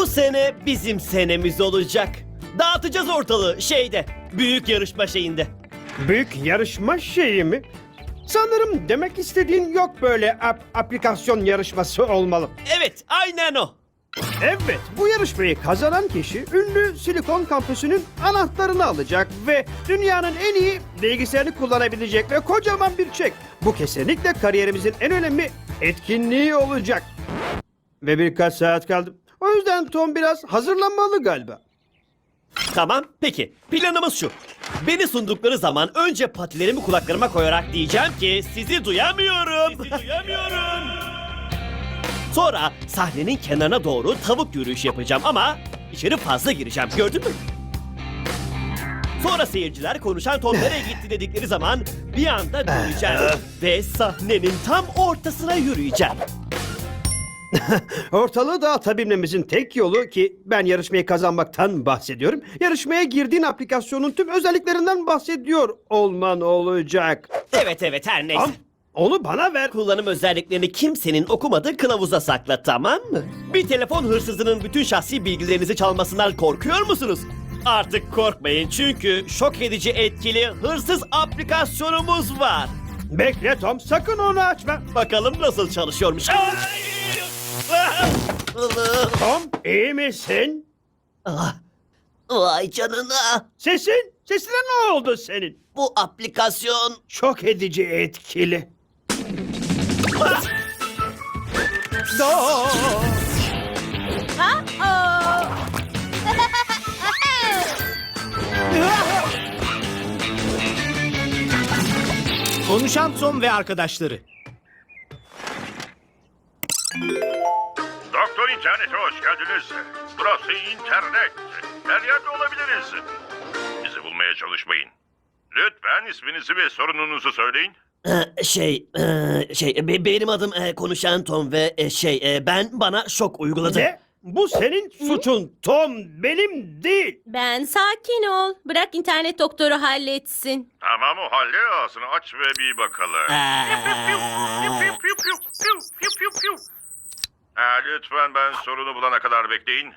sene bizim senemiz olacak. Dağıtacağız ortalığı büyük yarışma şeyinde. Büyük yarışma şeyi mi? Sanırım demek istediğin yok böyle aplikasyon yarışması olmalı. Evet, aynen o. Evet, bu yarışmayı kazanan kişi ünlü Silikon Kampüsü'nün anahtarını alacak ve dünyanın en iyi bilgisayarını kullanabilecek ve kocaman bir çek. Bu kesinlikle kariyerimizin en önemli etkinliği olacak. Ve birkaç saat kaldı. O yüzden Tom biraz hazırlanmalı galiba. Tamam, peki. Planımız şu. Beni sundukları zaman önce patilerimi kulaklarıma koyarak diyeceğim ki sizi duyamıyorum. Sonra sahnenin kenarına doğru tavuk yürüyüşü yapacağım ama içeri fazla gireceğim. Gördün mü? Sonra seyirciler konuşan Tom nereye gitti dedikleri zaman bir anda döneceğim ve sahnenin tam ortasına yürüyeceğim. Ortalığı dağıtabilmemizin tek yolu ki ben yarışmayı kazanmaktan bahsediyorum. Yarışmaya girdiğin aplikasyonun tüm özelliklerinden bahsediyor olman olacak. Evet her neyse. Tamam, onu bana ver. Kullanım özelliklerini kimsenin okumadığı kılavuza sakla, tamam mı? Bir telefon hırsızının bütün şahsi bilgilerinizi çalmasından korkuyor musunuz? Artık korkmayın çünkü şok edici etkili hırsız aplikasyonumuz var. Bekle Tom, sakın onu açma. Bakalım nasıl çalışıyormuş. Tom, iyi misin? Ah, vay canına. Sesine ne oldu senin? Bu aplikasyon... Şok edici etkili. Ah! Konuşan Tom ve arkadaşları. Doktor İnternet'e hoş geldiniz. Burası internet. Her yerde olabiliriz. Bizi bulmaya çalışmayın. Lütfen isminizi ve sorununuzu söyleyin. Benim adım Konuşan Tom ve bana şok uyguladı. Ne? Bu senin suçun Tom, benim değil. Ben sakin ol. Bırak internet doktoru halletsin. Tamam, o halde ağzını aç ve bir bakalım. Lütfen ben sorunu bulana kadar bekleyin.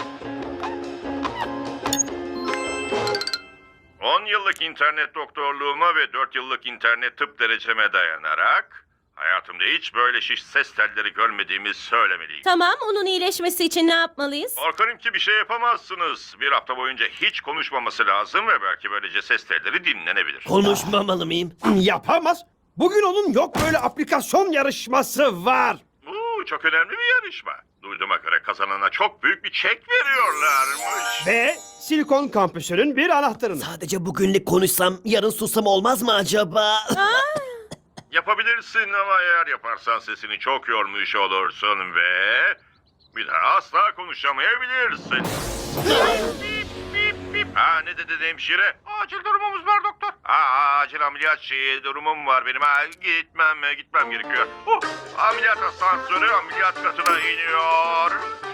10 yıllık internet doktorluğuma ve 4 yıllık internet tıp dereceme dayanarak hayatımda hiç böyle şiş ses telleri görmediğimi söylemeliyim. Tamam, onun iyileşmesi için ne yapmalıyız? Korkarım ki bir şey yapamazsınız. Bir hafta boyunca hiç konuşmaması lazım ve belki böylece ses telleri dinlenebilir. Konuşmamalı mıyım? Yapamaz. Bugün onun yok böyle aplikasyon yarışması var. Bu çok önemli bir yarışma. Duyduğuma göre kazanana çok büyük bir çek veriyorlarmış. Ve Silikon Kampüsü'nün bir anahtarını. Sadece bugünlük konuşsam, yarın sussam olmaz mı acaba? Yapabilirsin ama eğer yaparsan sesini çok yormuş olursun ve bir daha asla konuşamayabilirsin. Ne dedi hemşire? Acil durumumuz var doktor. Acil ameliyat durumum var benim. Gitmem gerekiyor. Ameliyat asansörü ameliyat katına iniyor.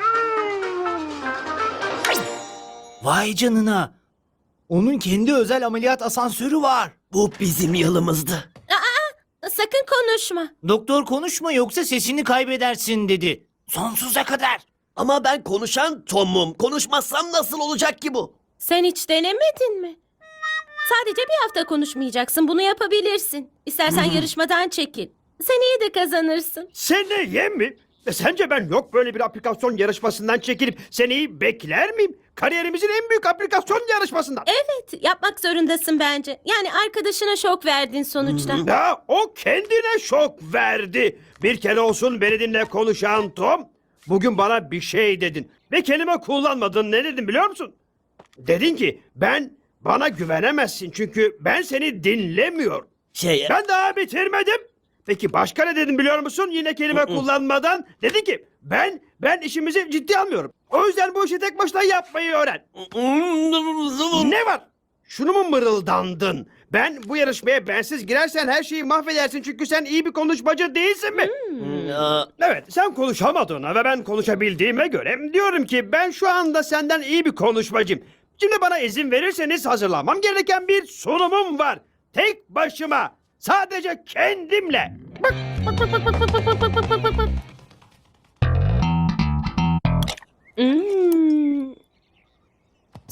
Vay canına. Onun kendi özel ameliyat asansörü var. Bu bizim yılımızdı. Sakın konuşma. Doktor konuşma yoksa sesini kaybedersin dedi. Sonsuza kadar. Ama ben konuşan Tom'um. Konuşmazsam nasıl olacak ki bu? Sen hiç denemedin mi? Sadece bir hafta konuşmayacaksın. Bunu yapabilirsin. İstersen yarışmadan çekil. Sen iyi de kazanırsın. Seneye mi? Sence ben yok böyle bir aplikasyon yarışmasından çekilip seneyi bekler miyim? Kariyerimizin en büyük aplikasyon yarışmasından. Evet, yapmak zorundasın bence. Yani arkadaşına şok verdin sonuçta. Ya o kendine şok verdi. Bir kere olsun beni dinle konuşan Tom. Bugün bana bir şey dedin. Ve kelime kullanmadın. Ne dedin biliyor musun? Dedin ki bana güvenemezsin çünkü ben seni dinlemiyorum. Ben daha bitirmedim. Peki başka ne dedin biliyor musun? Yine kelime kullanmadan dedin ki ben işimizi ciddi almıyorum. O yüzden bu işi tek başına yapmayı öğren. Ne var? Şunu mu mırıldandın? Ben bu yarışmaya bensiz girersen her şeyi mahvedersin çünkü sen iyi bir konuşmacı değilsin mi? Evet, sen konuşamadığına ve ben konuşabildiğime göre diyorum ki ben şu anda senden iyi bir konuşmacıyım. Şimdi bana izin verirseniz hazırlanmam gereken bir sunumum var. Tek başıma, sadece kendimle. Hmm.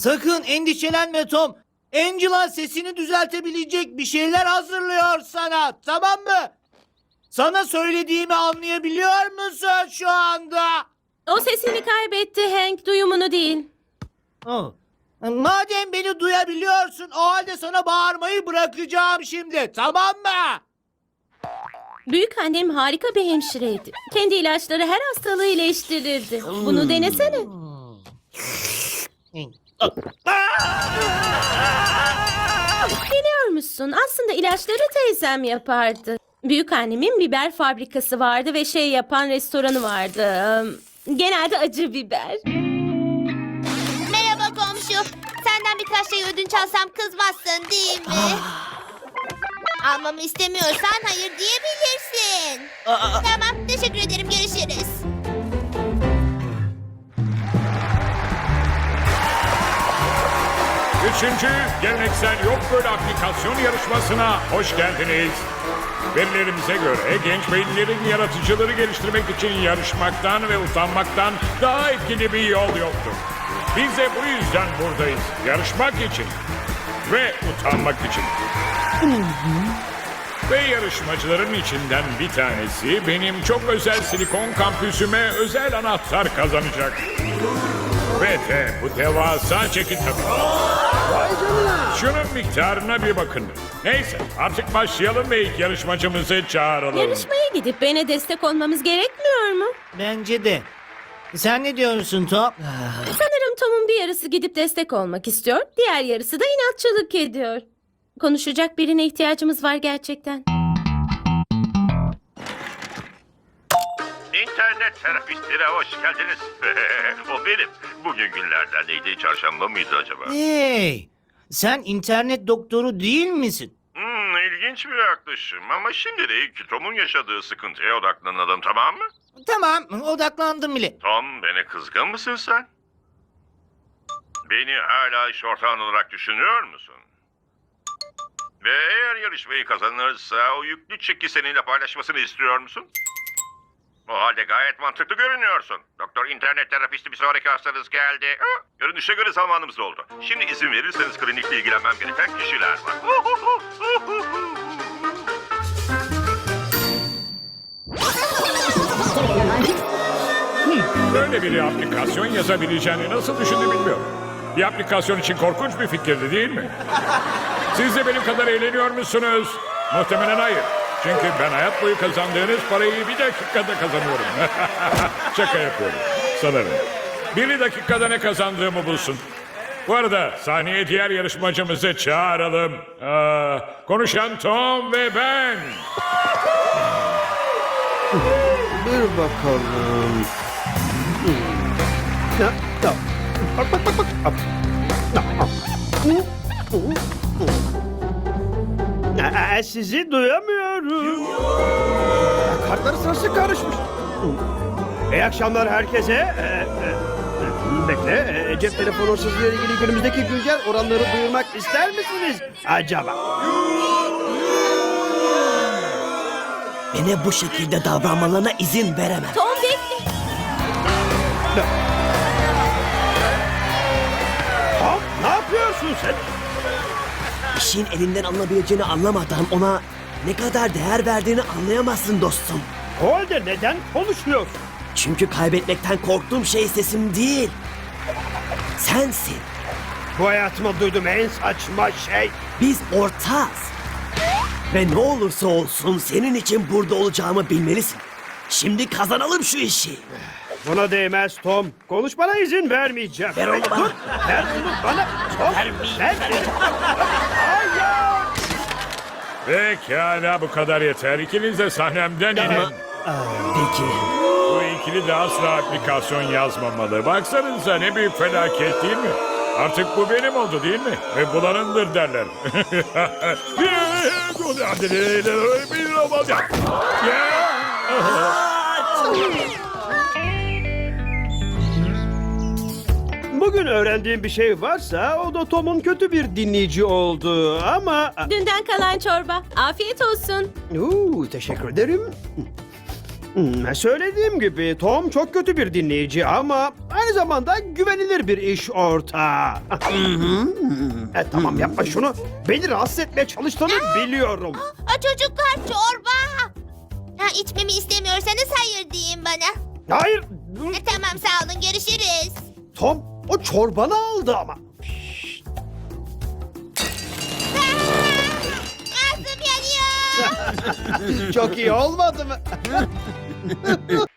Sakın endişelenme Tom. Angela sesini düzeltebilecek bir şeyler hazırlıyor sana. Tamam mı? Sana söylediğimi anlayabiliyor musun şu anda? O sesini kaybetti Hank, duyumunu değil. Oh. Madem beni duyabiliyorsun, o halde sana bağırmayı bırakacağım şimdi. Tamam mı? Büyük annem harika bir hemşireydi. Kendi ilaçları her hastalığı iyileştirirdi. Bunu denesene. Biliyor musun? Aslında ilaçları teyzem yapardı. Büyük annemin biber fabrikası vardı ve şey yapan restoranı vardı. Genelde acı biber. Merhaba komşu. Senden birkaç şey ödünç alsam kızmazsın değil mi? Almamı istemiyorsan hayır diyebilirsin. Tamam, teşekkür ederim. Görüşürüz. Üçüncü geleneksel yok böyle aplikasyon yarışmasına hoş geldiniz. Verilerimize göre genç beyinlerin yaratıcıları geliştirmek için yarışmaktan ve utanmaktan daha etkili bir yol yoktur. Biz de bu yüzden buradayız. Yarışmak için ve utanmak için. Ve yarışmacıların içinden bir tanesi benim çok özel silikon kampüsüme özel anahtar kazanacak. Ve de bu devasa çeki takımı. Şunun miktarına bir bakın. Neyse artık başlayalım ve ilk yarışmacımızı çağıralım. Yarışmaya gidip bana destek olmamız gerekmiyor mu? Bence de. Sen ne diyorsun Tom? Sanırım Tom'un bir yarısı gidip destek olmak istiyor. Diğer yarısı da inatçılık ediyor. Konuşacak birine ihtiyacımız var gerçekten. İnternet terapistine hoş geldiniz. O benim. Bugün günlerden neydi? Çarşamba mıydı acaba? Hey, sen internet doktoru değil misin? İlginç bir yaklaşım ama şimdilik Tom'un yaşadığı sıkıntıya odaklanalım, tamam mı? Tamam, odaklandım bile. Tom, beni kızgın mısın sen? Beni hala iş ortağın olarak düşünüyor musun? Ve eğer yarışmayı kazanırsa o yüklü çeki seninle paylaşmasını istiyor musun? O halde gayet mantıklı görünüyorsun. Doktor internet terapisti bir sonraki hastanız geldi. Görünüşe göre zamanımız oldu. Şimdi izin verirseniz klinikle ilgilenmem gereken kişiler var. Böyle bir aplikasyon yazabileceğini nasıl düşündü bilmiyorum. Bir aplikasyon için korkunç bir fikirdi değil mi? Siz de benim kadar eğleniyor musunuz? Muhtemelen hayır. Çünkü ben hayat boyu kazandığınız parayı bir dakikada kazanıyorum. Şaka yapıyorum. Sanırım. Bir dakikada ne kazandığımı bulsun. Bu arada sahneye diğer yarışmacımızı çağıralım. Konuşan Tom ve ben. Dur bakalım. Bak bak bak bak. Sizi duyamıyorum. Kartlar sırası karışmış. İyi akşamlar herkese. Bekle. Cep telefonu hırsızlığı ile ilgili günümüzdeki güncel oranları duyurmak ister misiniz acaba? Bana bu şekilde davranmalarına izin veremem. Tom bekle. Tom, ne yapıyorsun sen? İşin elinden alınabileceğini anlamadan ona ne kadar değer verdiğini anlayamazsın dostum. O halde neden konuşmuyorsun? Çünkü kaybetmekten korktuğum şey sesim değil. Sensin. Bu hayatımda duyduğum en saçma şey. Biz ortağız. Ve ne olursa olsun senin için burada olacağımı bilmelisin. Şimdi kazanalım şu işi. Buna değmez Tom. Konuşmana izin vermeyeceğim. Ver onu bana. Dur, ver onu bana. Tom, ver. Hayır. Pekala bu kadar yeter. İkiniz de sahnemden inin. Peki. Bu ikili de asla aplikasyon yazmamalı. Baksanıza ne büyük felaket değil mi? Artık bu benim oldu değil mi? Ve bulanındır derler. Bugün öğrendiğim bir şey varsa o da Tom'un kötü bir dinleyici olduğu ama... Dünden kalan çorba. Afiyet olsun. Teşekkür ederim. Söylediğim gibi Tom çok kötü bir dinleyici ama aynı zamanda güvenilir bir iş ortağı. Tamam yapma şunu. Beni rahatsız etmeye çalıştığını biliyorum. Çocuklar çorba. İçmemi istemiyorsanız hayır deyin bana. Hayır. Tamam sağ olun görüşürüz. Tom o çorbanı aldı ama. Ağzım yanıyor. Çok iyi olmadı mı?